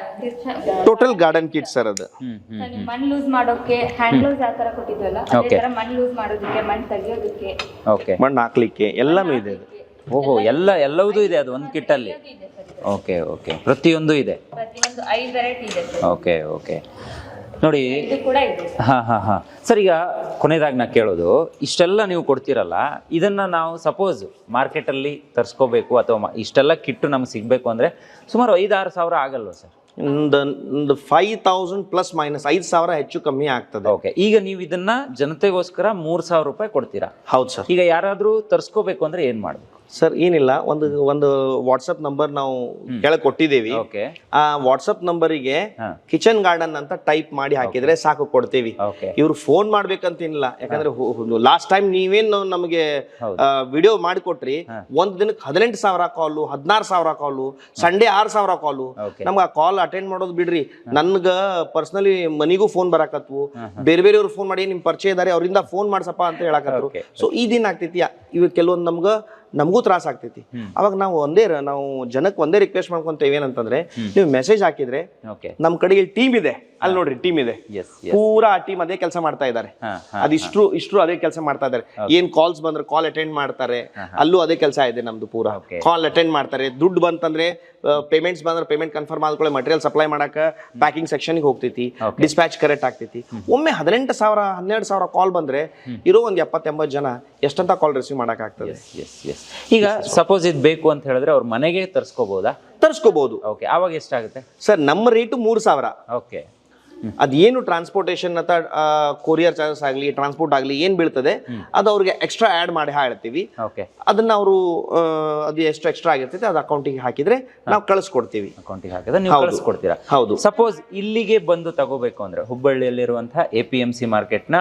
Speaker 2: ಟೋಟಲ್ ಗಾರ್ಡನ್ ಕಿಟ್ ಸರ್ ಅದು.
Speaker 3: ಮಣ್ಣು ಲೂಸ್ ಮಾಡೋಕೆ ಹ್ಯಾಂಡ್ ಲೂಸ್ ಯಾವ ತರ ಕೊಟ್ಟಿದ್ವಲ್ಲ ಅದೇ ತರ ಮಣ್ಣು ಲೂಸ್ ಮಾಡೋದಕ್ಕೆ, ಮಣ್ಣು ತೆಗಿಯೋದಕ್ಕೆ,
Speaker 1: ಓಕೆ
Speaker 2: ಮಣ್ಣು ಹಾಕ್ಲಿಕ್ಕೆ ಎಲ್ಲಾನು ಇದೆ ಇದು.
Speaker 1: ಓಹೋ, ಎಲ್ಲ ಎಲ್ಲವೂ ಇದೆ ಅದು ಒಂದು ಕಿಟ್ಟಲ್ಲಿ. ಓಕೆ ಓಕೆ ಪ್ರತಿಯೊಂದು ಇದೆ,
Speaker 3: ಪ್ರತಿಯೊಂದು ಐದು ವೆರೈಟಿ ಇದೆ ಸರ್.
Speaker 1: ಓಕೆ ಓಕೆ ನೋಡಿ,
Speaker 3: ಇದು ಕೂಡ ಇದೆ ಸರ್.
Speaker 1: ಹಾಂ ಹಾಂ ಹಾಂ ಸರ್, ಈಗ ಕೊನೆಯದಾಗಿ ನಾ ಕೇಳೋದು, ಇಷ್ಟೆಲ್ಲ ನೀವು ಕೊಡ್ತೀರಲ್ಲ, ಇದನ್ನು ನಾವು ಸಪೋಸ್ ಮಾರ್ಕೆಟಲ್ಲಿ ತರಿಸ್ಕೋಬೇಕು ಅಥವಾ ಮ- ಇಷ್ಟೆಲ್ಲ ಕಿಟ್ಟು ನಮ್ಗೆ ಸಿಗಬೇಕು ಅಂದರೆ ಸುಮಾರು ಐದಾರು ಸಾವಿರ ಆಗಲ್ವ ಸರ್?
Speaker 2: ಒಂದು ಒಂದು ಫೈವ್ ತೌಸಂಡ್ ಪ್ಲಸ್ ಮೈನಸ್ ಐದು ಸಾವಿರ ಹೆಚ್ಚು ಕಮ್ಮಿ ಆಗ್ತದೆ.
Speaker 1: ಓಕೆ, ಈಗ ನೀವು ಇದನ್ನ ಜನತೆಗೋಸ್ಕರ ಮೂರು ಸಾವಿರ ರೂಪಾಯಿ ಕೊಡ್ತೀರಾ?
Speaker 2: ಹೌದು ಸರ್.
Speaker 1: ಈಗ ಯಾರಾದರೂ ತರಿಸ್ಕೋಬೇಕು ಅಂದರೆ ಏನು ಮಾಡಬೇಕು
Speaker 2: ಸರ್? ಏನಿಲ್ಲ, ಒಂದು ಒಂದು ವಾಟ್ಸಪ್ ನಂಬರ್ ನಾವು ಕೆಳಗೆ ಕೊಟ್ಟಿದ್ದೀವಿ.
Speaker 1: ಓಕೆ,
Speaker 2: ಆ ವಾಟ್ಸಪ್ ನಂಬರಿಗೆ
Speaker 1: ಹಾ.
Speaker 2: ಕಿಚನ್ ಗಾರ್ಡನ್ ಅಂತ ಟೈಪ್ ಮಾಡಿ ಹಾಕಿದ್ರೆ ಸಾಕು, ಕೊಡ್ತೀವಿ.
Speaker 1: ಓಕೆ,
Speaker 2: ಇವ್ರು ಫೋನ್ ಮಾಡ್ಬೇಕಂತೇನಿಲ್ಲ, ಯಾಕಂದ್ರೆ ಲಾಸ್ಟ್ ಟೈಮ್ ನೀವೇನು ನಮಗೆ ವಿಡಿಯೋ ಮಾಡಿಕೊಟ್ರಿ, ಒಂದ್ ದಿನಕ್ಕೆ ಹದಿನೆಂಟು ಸಾವಿರ ಕಾಲು, ಹದಿನಾರು ಸಾವಿರ ಕಾಲು, ಸಂಡೇ ಆರು ಸಾವಿರ ಕಾಲು.
Speaker 1: ಓಕೆ,
Speaker 2: ನಮ್ಗೆ ಆ ಕಾಲ್ ಅಟೆಂಡ್ ಮಾಡೋದು ಬಿಡ್ರಿ, ನನ್ಗ ಪರ್ಸನಲಿ ಮನಿಗೂ ಫೋನ್ ಬರಾಕತ್ವು, ಬೇರೆ ಬೇರೆಯವ್ರು ಫೋನ್ ಮಾಡಿ ನಿಮ್ ಪರಿಚಯ ಇದಾರೆ ಅವರಿಂದ ಫೋನ್ ಮಾಡ್ಸಪ್ಪ ಅಂತ ಹೇಳಕತ್ರು. ಸೊ ಇದೇನ್ ಆಗ್ತೈತಿ, ಇವ್ ಕೆಲವೊಂದು ನಮ್ಗ ನಮಗೂ ತ್ರಾಸ ಆಗ್ತೈತಿ. ಅವಾಗ ನಾವು ಒಂದೇ ರ- ನಾವು ಜನಕ್ಕೆ ಒಂದೇ ರಿಕ್ವೆಸ್ಟ್ ಮಾಡ್ಕೊಂತೇವೆ, ಏನಂತಂದ್ರೆ ನೀವು ಮೆಸೇಜ್ ಹಾಕಿದ್ರೆ
Speaker 1: ಓಕೆ,
Speaker 2: ನಮ್ ಕಡೆಗೆ ಟೀಮ್ ಇದೆ, ಅಲ್ಲಿ ನೋಡ್ರಿ ಟೀಮ್ ಇದೆ,
Speaker 1: ಎಸ್ ಎಸ್,
Speaker 2: ಪೂರಾ ಆ ಟೀಮ್ ಅದೇ ಕೆಲಸ ಮಾಡ್ತಾ ಇದ್ದಾರೆ.
Speaker 1: ಹಾಂ ಹಾಂ
Speaker 2: ಅದಿಷ್ಟು ಇಷ್ಟು ಅದೇ ಕೆಲಸ ಮಾಡ್ತಾ ಇದ್ದಾರೆ. ಏನ್ ಕಾಲ್ಸ್ ಬಂದ್ರೆ ಕಾಲ್ ಅಟೆಂಡ್ ಮಾಡ್ತಾರೆ, ಅಲ್ಲೂ ಅದೇ ಕೆಲಸ ಇದೆ ನಮ್ದು. ಪೂರಾ
Speaker 1: Okay.
Speaker 2: ಕಾಲ್ ಅಟೆಂಡ್ ಮಾಡ್ತಾರೆ. ದುಡ್ಡು ಬಂತಂದ್ರೆ ಪೇಮೆಂಟ್ಸ್ ಬಂದ್ರೆ ಪೇಮೆಂಟ್ ಕನ್ಫರ್ಮ್ ಆದ್ಕೊಳ್ಳಿ, ಮಟೀರಿಯಲ್ ಸಪ್ಲೈ ಮಾಡಕ ಪ್ಯಾಕಿಂಗ್ ಸೆಕ್ಷನ್ಗೆ ಹೋಗ್ತೈತಿ, ಡಿಸ್ಪ್ಯಾಚ್ ಕರೆಕ್ಟ್ ಆಗ್ತೈತಿ. ಒಮ್ಮೆ ಹದಿನೆಂಟು ಸಾವಿರ ಹನ್ನೆರಡು ಸಾವಿರ ಕಾಲ್ ಬಂದ್ರೆ ಇರೋ ಒಂದ್ ಎಪ್ಪತ್ತ ಎಂಬತ್ತು ಜನ ಎಷ್ಟಂತ ಕಾಲ್ ರಿಸೀವ್ ಮಾಡಕ್ ಆಗ್ತದೆ.
Speaker 1: S S. ಈಗ ಸಪೋಸ್ ಇದು ಬೇಕು ಅಂತ ಹೇಳಿದ್ರೆ ಅವ್ರ ಮನೆಗೆ ತರಿಸ್ಕೋಬಹುದಾ?
Speaker 2: ತರಿಸ್ಕೋಬಹುದು.
Speaker 1: ಓಕೆ, ಆವಾಗ ಎಷ್ಟಾಗುತ್ತೆ
Speaker 2: ಸರ್? ನಮ್ಮ ರೇಟು ಮೂರು ಸಾವಿರ.
Speaker 1: ಓಕೆ,
Speaker 2: ಅದೇನು ಟ್ರಾನ್ಸ್ಪೋರ್ಟೇಷನ್ ಅಥವಾ ಕೊರಿಯರ್ ಚಾರ್ಜಸ್ ಆಗಲಿ, ಟ್ರಾನ್ಸ್ಪೋರ್ಟ್ ಆಗಲಿ ಏನ್ ಬೀಳ್ತದೆ ಅದು ಅವ್ರಿಗೆ ಎಕ್ಸ್ಟ್ರಾ ಆ್ಯಡ್ ಮಾಡಿ ಹೇಳ್ತೀವಿ.
Speaker 1: ಓಕೆ,
Speaker 2: ಅದನ್ನ ಅವರು ಅದು ಎಷ್ಟು ಎಕ್ಸ್ಟ್ರಾ ಆಗಿರ್ತೈತೆ ಅದು ಅಕೌಂಟಿಗೆ ಹಾಕಿದ್ರೆ ನಾವು ಕಳಿಸ್ಕೊಡ್ತೀವಿ.
Speaker 1: ಅಕೌಂಟಿಗೆ ಹಾಕಿದ್ರೆ ನೀವು ಕಳಿಸ್ಕೊಡ್ತೀರಾ?
Speaker 2: ಹೌದು.
Speaker 1: ಸಪೋಸ್ ಇಲ್ಲಿಗೆ ಬಂದು ತಗೋಬೇಕು ಅಂದ್ರೆ ಹುಬ್ಬಳ್ಳಿಯಲ್ಲಿರುವಂತಹ ಎ ಪಿ ಎಂ ಸಿ ಮಾರ್ಕೆಟ್ನ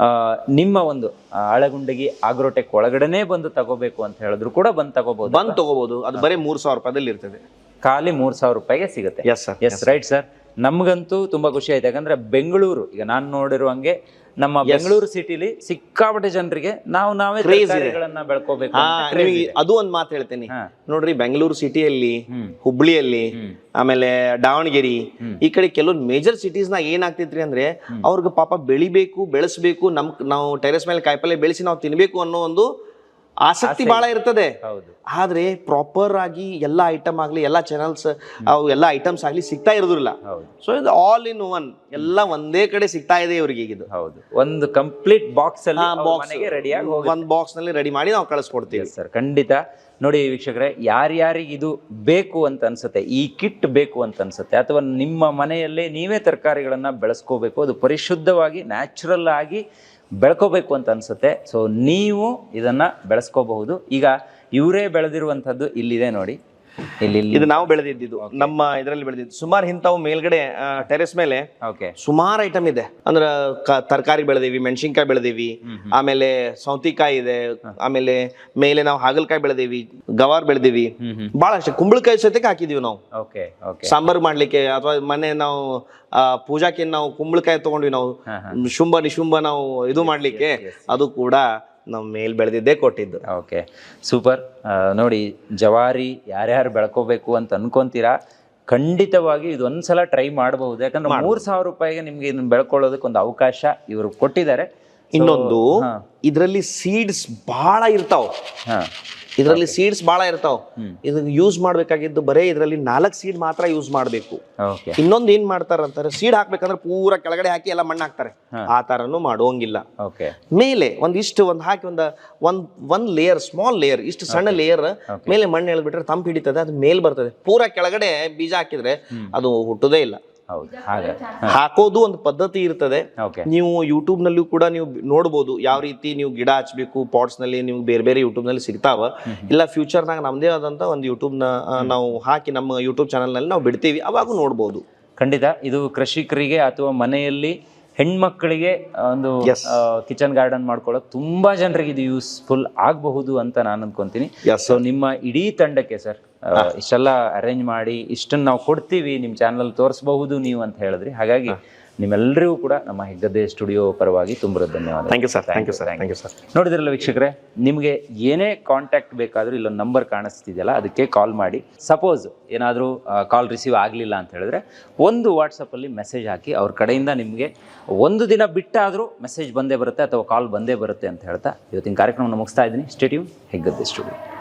Speaker 1: ನಿಮ್ಮ ಒಂದು ಆ, ಅಳಗುಂಡಗಿ ಆಗ್ರೋಟೆಕ್ ಒಳಗಡೆನೆ ಬಂದು ತಗೋಬೇಕು ಅಂತ ಹೇಳಿದ್ರು ಕೂಡ ಬಂದು ತಗೋಬಹುದು?
Speaker 2: ಬಂದ್ ತಗೋಬಹುದು. ಅದು ಬರೀ ಮೂರ್ ಸಾವಿರ ರೂಪಾಯಿದಲ್ಲಿ ಇರ್ತದೆ.
Speaker 1: ಖಾಲಿ ಮೂರ್ ಸಾವಿರ ರೂಪಾಯಿಗೆ ಸಿಗುತ್ತೆ.
Speaker 2: Yes sir.
Speaker 1: Yes right sir. ನಮ್ಗಂತೂ ತುಂಬಾ ಖುಷಿ ಆಯ್ತು, ಯಾಕಂದ್ರೆ ಬೆಂಗಳೂರು, ಈಗ ನಾನು ನೋಡಿರುವಂಗೆ ನಮ್ಮ ಬೆಂಗಳೂರು ಸಿಟಿಲಿ ಸಿಕ್ಕಾಪಟ್ಟೆ ಜನರಿಗೆ ನಾವು ನಾವೇ ತರಕಾರಿಗಳನ್ನ ಬೆಳ್ಕೋಬೇಕು
Speaker 2: ಹಾ,
Speaker 1: ಅಂತ craze
Speaker 2: ನಿಮಗೆ
Speaker 1: ಇದೆ.
Speaker 2: ಅದು ಒಂದ್ ಮಾತು ಹೇಳ್ತೇನೆ
Speaker 1: ಹಾ.
Speaker 2: ನೋಡ್ರಿ, ಬೆಂಗಳೂರು ಸಿಟಿಯಲ್ಲಿ, ಹುಬ್ಳಿಯಲ್ಲಿ, ಆಮೇಲೆ ದಾವಣಗೆರೆ, ಈ ಕಡೆ ಕೆಲವೊಂದು ಮೇಜರ್ ಸಿಟೀಸ್ ನಾಗ ಏನಾಗ್ತೈತ್ರಿ ಅಂದ್ರೆ ಅವ್ರಿಗೆ ಪಾಪ ಬೆಳಿಬೇಕು, ಬೆಳೆಸ್ಬೇಕು, ನಮ್ ನಾವು ಟೆರೆಸ್ ಮೇಲೆ ಕಾಯಿಪಲ್ಲೆ ಬೆಳೆಸಿ ನಾವು ತಿನ್ಬೇಕು ಅನ್ನೋ ಒಂದು ಆಸಕ್ತಿ ಬಹಳ ಇರ್ತದೆ.
Speaker 1: ಹೌದು.
Speaker 2: ಆದ್ರೆ ಪ್ರಾಪರ್ ಆಗಿ ಎಲ್ಲಾ ಐಟಮ್ ಆಗ್ಲಿ, ಎಲ್ಲಾ ಚಾನಲ್ಸ್ ಅವು ಎಲ್ಲಾ ಐಟಮ್ಸ್ ಆಗ್ಲಿ ಸಿಗ್ತಾ ಇರೋದಿಲ್ಲ. ಸೊ ಇದು ಆಲ್ ಇನ್ ಒನ್, ಎಲ್ಲ ಒಂದೇ ಕಡೆ ಸಿಗ್ತಾ ಇದೆ ಇವ್ರಿಗೆ ಈಗ. ಇದು
Speaker 1: ಹೌದು, ಒಂದು ಕಂಪ್ಲೀಟ್ ಬಾಕ್ಸ್ ಅಲ್ಲಿ ಮನೆಗೆ ರೆಡಿಯಾಗಿ ಹೋಗಿ
Speaker 2: ಒಂದ್ ಬಾಕ್ಸ್ ನಲ್ಲಿ ರೆಡಿ ಮಾಡಿ ನಾವು ಕಳಿಸ್ಕೊಡ್ತೀವಿ
Speaker 1: ಸರ್. ಖಂಡಿತ. ನೋಡಿ ವೀಕ್ಷಕರೇ, ಯಾರ್ಯಾರಿಗೆ ಇದು ಬೇಕು ಅಂತ ಅನ್ಸುತ್ತೆ, ಈ ಕಿಟ್ ಬೇಕು ಅಂತ ಅನ್ಸುತ್ತೆ, ಅಥವಾ ನಿಮ್ಮ ಮನೆಯಲ್ಲೇ ನೀವೇ ತರಕಾರಿಗಳನ್ನ ಬೆಳೆಸ್ಕೋಬೇಕು, ಅದು ಪರಿಶುದ್ಧವಾಗಿ ನ್ಯಾಚುರಲ್ ಆಗಿ ಬೆಳ್ಕೋಬೇಕು ಅಂತ ಅನ್ಸುತ್ತೆ, ಸೊ ನೀವು ಇದನ್ನ ಬೆಳೆಸ್ಕೋಬಹುದು. ಈಗ ಇವರೇ ಬೆಳೆದಿರುವಂಥದ್ದು ಇಲ್ಲಿದೆ ನೋಡಿ, ಇಲ್ಲಿ
Speaker 2: ಇದು ನಾವು ಬೆಳೆದಿದ್ದು ನಮ್ಮ ಇದರಲ್ಲಿ ಬೆಳೆದಿದ್ದು. ಸುಮಾರು ಇಂಥವು ಮೇಲ್ಗಡೆ ಟೆರೆಸ್ ಮೇಲೆ
Speaker 1: ಓಕೆ
Speaker 2: ಸುಮಾರು ಐಟಮ್ ಇದೆ. ಅಂದ್ರ ತರಕಾರಿ ಬೆಳೆದಿವಿ, ಮೆಣಸಿನ್ಕಾಯಿ ಬೆಳೆದಿವಿ, ಆಮೇಲೆ ಸೌತಿಕಾಯಿ ಇದೆ, ಆಮೇಲೆ ಮೇಲೆ ನಾವು ಹಾಗಲಕಾಯಿ ಬೆಳೆದಿವಿ, ಗವಾರ್ ಬೆಳೆದಿವಿ, ಬಹಳ ಅಷ್ಟೇ. ಕುಂಬಳಕಾಯಿ ಸಹಿತಕ್ಕೆ ಹಾಕಿದೀವಿ ನಾವು
Speaker 1: ಓಕೆ ಓಕೆ
Speaker 2: ಸಾಂಬಾರು ಮಾಡ್ಲಿಕ್ಕೆ, ಅಥವಾ ಮನೆ ನಾವು ಪೂಜಾಕ್ಕೆ ನಾವು ಕುಂಬಳಕಾಯಿ ತಗೊಂಡ್ವಿ ನಾವು, ಶುಂಭ ನಿಶುಂಭ ನಾವು ಇದು ಮಾಡ್ಲಿಕ್ಕೆ, ಅದು ಕೂಡ ನಾವು ಮೇಲ್ ಬೆಳೆದಿದ್ದೇ ಕೊಟ್ಟಿದ್ದು.
Speaker 1: Okay, super. ನೋಡಿ, ಜವಾರಿ ಯಾರ್ಯಾರು ಬೆಳ್ಕೋಬೇಕು ಅಂತ ಅನ್ಕೊಂತೀರಾ, ಖಂಡಿತವಾಗಿ ಇದೊಂದ್ಸಲ ಟ್ರೈ ಮಾಡಬಹುದು. ಯಾಕಂದ್ರೆ ಮೂರ್ ಸಾವಿರ ರೂಪಾಯಿಗೆ ನಿಮ್ಗೆ ಇದನ್ನ ಬೆಳ್ಕೊಳ್ಳೋದಕ್ಕೆ ಒಂದು ಅವಕಾಶ ಇವರು ಕೊಟ್ಟಿದ್ದಾರೆ.
Speaker 2: ಇನ್ನೊಂದು, ಇದರಲ್ಲಿ ಸೀಡ್ಸ್ ಬಹಳ ಇರ್ತಾವ. ಇದರಲ್ಲಿ ಸೀಡ್ಸ್ ಬಹಳ ಇರ್ತಾವ. ಇದನ್ನ ಯೂಸ್ ಮಾಡ್ಬೇಕಾಗಿದ್ದು ಬರೇ ಇದರಲ್ಲಿ ನಾಲ್ಕು ಸೀಡ್ ಮಾತ್ರ ಯೂಸ್ ಮಾಡ್ಬೇಕು. ಇನ್ನೊಂದು ಏನ್ ಮಾಡ್ತಾರ ಅಂತಾರೆ, ಸೀಡ್ ಹಾಕ್ಬೇಕಂದ್ರೆ ಪೂರಾ ಕೆಳಗಡೆ ಹಾಕಿ ಎಲ್ಲ ಮಣ್ಣು ಹಾಕ್ತಾರೆ. ಆ ತರನು ಮಾಡೋಂಗಿಲ್ಲ. ಮೇಲೆ ಒಂದಿಷ್ಟು ಒಂದ್ ಹಾಕಿ ಒಂದ್ ಒಂದ್ ಒಂದ್ ಲೇಯರ್, ಸ್ಮಾಲ್ ಲೇಯರ್, ಇಷ್ಟು ಸಣ್ಣ ಲೇಯರ್ ಮೇಲೆ ಮಣ್ಣು ಎಳ್ಬಿಟ್ರೆ ತಂಪು ಹಿಡಿತದೆ, ಅದು ಮೇಲ್ ಬರ್ತದೆ. ಪೂರಾ ಕೆಳಗಡೆ ಬೀಜ ಹಾಕಿದ್ರೆ ಅದು ಹುಟ್ಟುದೇ ಇಲ್ಲ.
Speaker 1: ಹೌದು ಹಾಗೆ
Speaker 2: ಹಾಕೋದು ಒಂದು ಪದ್ಧತಿ ಇರ್ತದೆ.
Speaker 1: ಓಕೆ
Speaker 2: ನೀವು ಯೂಟ್ಯೂಬ್ ನಲ್ಲೂ ಕೂಡ ನೀವು ನೋಡ್ಬೋದು ಯಾವ ರೀತಿ ನೀವು ಗಿಡ ಹಚ್ಬೇಕು ಪಾಟ್ಸ್ ನಲ್ಲಿ. ನೀವು ಬೇರೆ ಬೇರೆ ಯೂಟ್ಯೂಬ್ ನಲ್ಲಿ ಸಿಗ್ತಾವ. ಇಲ್ಲ ಫ್ಯೂಚರ್ನಾಗ ನಮ್ದೇ ಆದಂತ ಒಂದು ಯೂಟ್ಯೂಬ್ ನ ಆ, ನಾವು ಹಾಕಿ ನಮ್ಮ ಯೂಟ್ಯೂಬ್ ಚಾನಲ್ ನಲ್ಲಿ ನಾವು ಬಿಡ್ತೀವಿ, ಅವಾಗೂ ನೋಡ್ಬೋದು.
Speaker 1: ಖಂಡಿತ ಇದು ಕೃಷಿಕರಿಗೆ ಅಥವಾ ಮನೆಯಲ್ಲಿ ಹೆಣ್ಮಕ್ಕಳಿಗೆ ಒಂದು
Speaker 2: Yes.
Speaker 1: ಕಿಚನ್ ಗಾರ್ಡನ್ ಮಾಡ್ಕೊಳ್ಳೋಕೆ ತುಂಬಾ ಜನರಿಗೆ ಇದು ಯೂಸ್ಫುಲ್ ಆಗಬಹುದು ಅಂತ ನಾನು ಅನ್ಕೊಂತೀನಿ.
Speaker 2: Yes,
Speaker 1: ಸೊ ನಿಮ್ಮ ಇಡೀ ತಂಡಕ್ಕೆ ಸರ್ ಇಷ್ಟೆಲ್ಲ ಅರೇಂಜ್ ಮಾಡಿ ಇಷ್ಟನ್ನು ನಾವು ಕೊಡ್ತೀವಿ, ನಿಮ್ಮ ಚಾನಲ್ ತೋರಿಸಬಹುದು ನೀವು ಅಂತ ಹೇಳಿದ್ರಿ. ಹಾಗಾಗಿ ನಿಮ್ಮೆಲ್ಲರಿಗೂ ಕೂಡ ನಮ್ಮ ಹೆಗ್ಗದ್ದೆ ಸ್ಟುಡಿಯೋ ಪರವಾಗಿ ತುಂಬ ಧನ್ಯವಾದ.
Speaker 2: Thank you sir. Thank you sir. Thank you sir.
Speaker 1: ನೋಡಿದ್ರಲ್ಲ ವೀಕ್ಷಕರೇ, ನಿಮಗೆ ಏನೇ ಕಾಂಟ್ಯಾಕ್ಟ್ ಬೇಕಾದರೂ ಇಲ್ಲೊಂದು ನಂಬರ್ ಕಾಣಿಸ್ತಿದೆಯಲ್ಲ ಅದಕ್ಕೆ ಕಾಲ್ ಮಾಡಿ. ಸಪೋಸ್ ಏನಾದರೂ ಕಾಲ್ ರಿಸೀವ್ ಆಗಲಿಲ್ಲ ಅಂತ ಹೇಳಿದ್ರೆ ಒಂದು ವಾಟ್ಸಪ್ಪಲ್ಲಿ ಮೆಸೇಜ್ ಹಾಕಿ, ಅವ್ರ ಕಡೆಯಿಂದ ನಿಮಗೆ ಒಂದು ದಿನ ಬಿಟ್ಟಾದರೂ ಮೆಸೇಜ್ ಬಂದೇ ಬರುತ್ತೆ ಅಥವಾ ಕಾಲ್ ಬಂದೇ ಬರುತ್ತೆ ಅಂತ ಹೇಳ್ತಾ ಇವತ್ತಿನ ಕಾರ್ಯಕ್ರಮವನ್ನು ಮುಗಿಸ್ತಾ ಇದ್ದೀನಿ. Stay tune, Heggadde studio.